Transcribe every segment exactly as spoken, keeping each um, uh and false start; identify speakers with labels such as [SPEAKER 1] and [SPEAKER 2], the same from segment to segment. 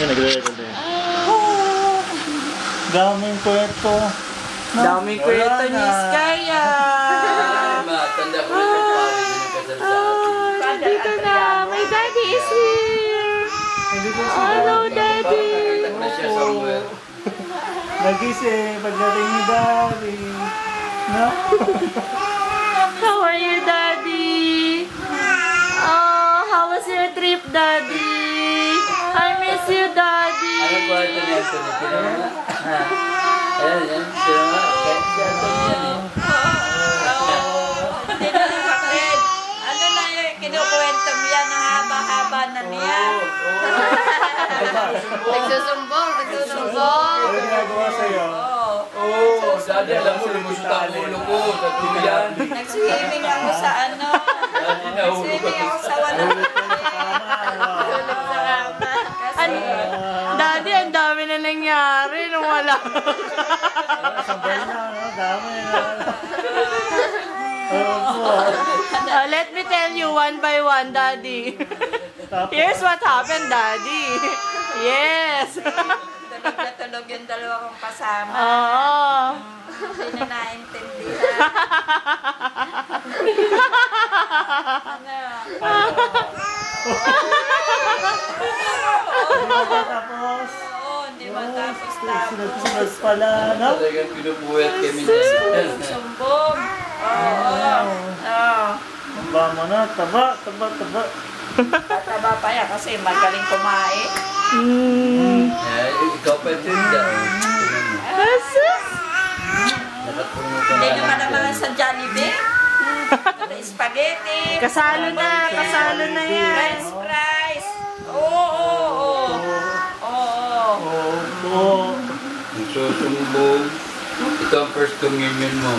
[SPEAKER 1] Nagre-record din. Daming kwento.
[SPEAKER 2] Daming kwento ni Skaya.
[SPEAKER 3] Tanda ko na yung pari na kasal sa atin.
[SPEAKER 2] Dito na. My daddy is here. Hello, daddy.
[SPEAKER 3] Nakita ko na siya somewhere.
[SPEAKER 1] Nagising pagdating ni daddy. No?
[SPEAKER 2] How are you, daddy? Oh, how was your trip, daddy? I miss you, daddy.
[SPEAKER 3] Ano po ito niya? Ito niya. Sino nga? Ayan, ayan. Sino nga? Kahit siya ito niya eh.
[SPEAKER 4] Hindi na kapatid. Ano na yung kinukwento mo yan? Ang haba-haba na niya.
[SPEAKER 2] Nagsusumbong, nagsusumbong.
[SPEAKER 1] Ano ginagawa sa'yo?
[SPEAKER 3] Oo, dati alam mo, lumusot ang ulo ko sa tuyan.
[SPEAKER 4] Nag-swimming ako sa ano. Nag-swimming ako sa walang
[SPEAKER 2] Ano? Daddy, ang dami na nangyari nung wala.
[SPEAKER 1] Sabay na, no? Dami na.
[SPEAKER 2] Uh, let me tell you one by one, daddy. Here's what happened, daddy. Yes.
[SPEAKER 4] tulog na tulog yung dalawa kong kasama.
[SPEAKER 2] Oo.
[SPEAKER 4] Hindi na naintindihan. Ano?
[SPEAKER 1] Tapos,
[SPEAKER 4] Oo, hindi matapos-tapos.
[SPEAKER 1] sunod-sunod pala, no?
[SPEAKER 3] Talagang pinupuwet kami niya.
[SPEAKER 4] Sumbong. Oo. Oo.
[SPEAKER 1] Taba mo na, taba, taba, taba.
[SPEAKER 4] Tataba pa yan kasi magaling kumain.
[SPEAKER 2] Mm.
[SPEAKER 3] Eh, ikaw pa ito yung dyan.
[SPEAKER 2] Jesus.
[SPEAKER 3] Nakapungo ka
[SPEAKER 4] Hindi
[SPEAKER 3] na
[SPEAKER 4] naman
[SPEAKER 3] lang
[SPEAKER 4] naman
[SPEAKER 3] dyan.
[SPEAKER 4] sa Jollibee. Spaghetti.
[SPEAKER 2] Kasalo na, kasalo na yan.
[SPEAKER 4] French fries. Oo, oo, oo. Oo.
[SPEAKER 1] Oo, oo.
[SPEAKER 3] Nagsusumbong. Ito ang first communion mo.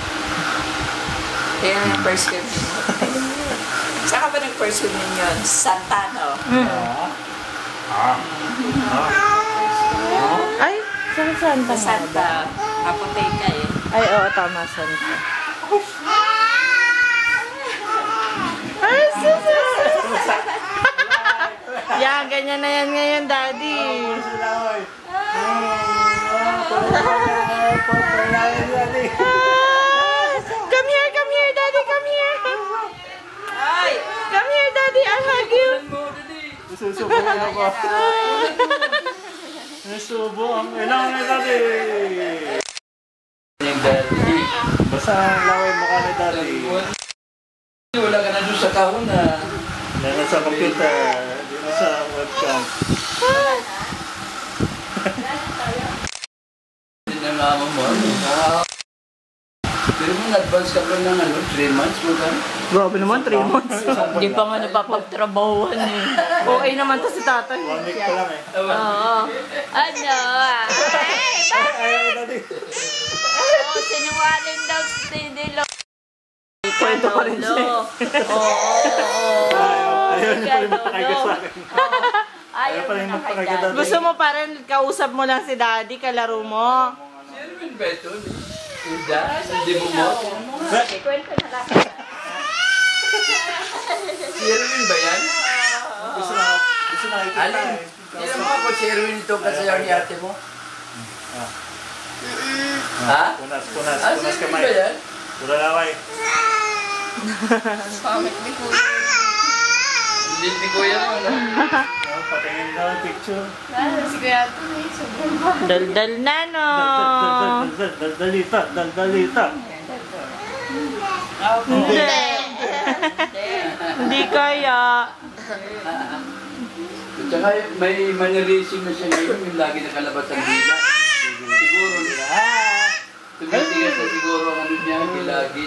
[SPEAKER 4] Kaya yung first communion. Saan ka ba nag-first communion? Santa, no?
[SPEAKER 2] Ay, saan Santa?
[SPEAKER 4] Sa Santa. Apotheka eh.
[SPEAKER 2] Ay, oo, tama, Santa. Ay, sus, sus, sus. Yan, ganyan na yan ngayon, daddy. Come here, come here, daddy, come here.
[SPEAKER 4] Ay!
[SPEAKER 2] Come here, daddy, I'll hug you.
[SPEAKER 1] Susubo ako. Nasubo ang ilang na dati.
[SPEAKER 3] Yung daddy.
[SPEAKER 1] Basta ang laway mukha ni dati.
[SPEAKER 3] Wala ka na doon sa kahon na.
[SPEAKER 1] Yan na sa computer. Di na sa webcam.
[SPEAKER 3] Hindi na mama mo. Pero mo na-advance ka pa ng ano, three months mo ka?
[SPEAKER 2] Grabe naman, three months. Hindi pa nga napapagtrabahuan eh. Okay naman to si tatay.
[SPEAKER 1] One week pa lang eh.
[SPEAKER 2] Oo. Ano?
[SPEAKER 1] Ayaw ni dati.
[SPEAKER 4] Oo, sinungaling daw si Tidilo.
[SPEAKER 2] Kwento pa rin siya.
[SPEAKER 4] Oo, oo, oo.
[SPEAKER 1] Ayaw niya pa rin makakaiga sa akin.
[SPEAKER 4] Ayaw
[SPEAKER 1] pa rin
[SPEAKER 4] na kay
[SPEAKER 1] magpakaganda.
[SPEAKER 4] Daddy.
[SPEAKER 2] Gusto mo pa rin, kausap mo lang si daddy, kalaro mo.
[SPEAKER 3] Si Erwin ba ito? Ida? Hindi mo mo?
[SPEAKER 4] Kwento na lang.
[SPEAKER 3] Si Erwin ba yan?
[SPEAKER 1] Gusto na, gusto na ikita
[SPEAKER 3] Alin?
[SPEAKER 1] eh.
[SPEAKER 3] Hindi mo ako si Erwin ito kasayaw ni ate mo? Ha?
[SPEAKER 1] Punas, punas,
[SPEAKER 3] Ah, si
[SPEAKER 1] punas
[SPEAKER 3] Erwin
[SPEAKER 1] kamay.
[SPEAKER 3] ba yan?
[SPEAKER 1] Pura laway.
[SPEAKER 4] Pamit ni Kuya.
[SPEAKER 3] Hindi ni Kuya mo, no?
[SPEAKER 1] Oh, patingin daw ang picture.
[SPEAKER 4] Si Kuya ito eh, sobrang ba?
[SPEAKER 2] Daldal na, no?
[SPEAKER 1] Dal- dal- Daldalita, daldalita.
[SPEAKER 2] Hindi. Hindi kaya.
[SPEAKER 3] At saka may mannerism na siya ngayon, yung lagi nakalabas ang dila. Siguro niya. Tumitigas na siguro ang ano niya, yung lagi.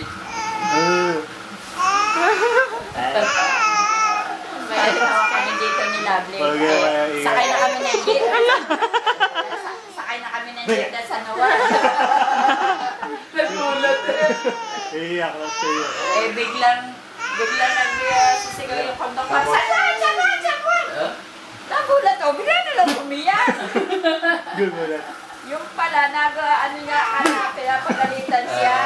[SPEAKER 4] May tawa kami dito ni Lovely.
[SPEAKER 1] Pag-
[SPEAKER 4] Eh, Sakay na kami ng jeep. Sakay na kami ng jeep dahil sa Nawal.
[SPEAKER 3] Nagulat eh.
[SPEAKER 1] Iiyak lang siya.
[SPEAKER 4] Eh, biglang, biglang nag-sisigaw yung kondoktor. Sakwan! Sakwan! Sakwan!
[SPEAKER 3] Ha?
[SPEAKER 4] Nagulat ako. Bigla na lang umiyak.
[SPEAKER 1] Gumulat.
[SPEAKER 4] Yung pala, nag, ano nga, ano, kaya pagalitan siya.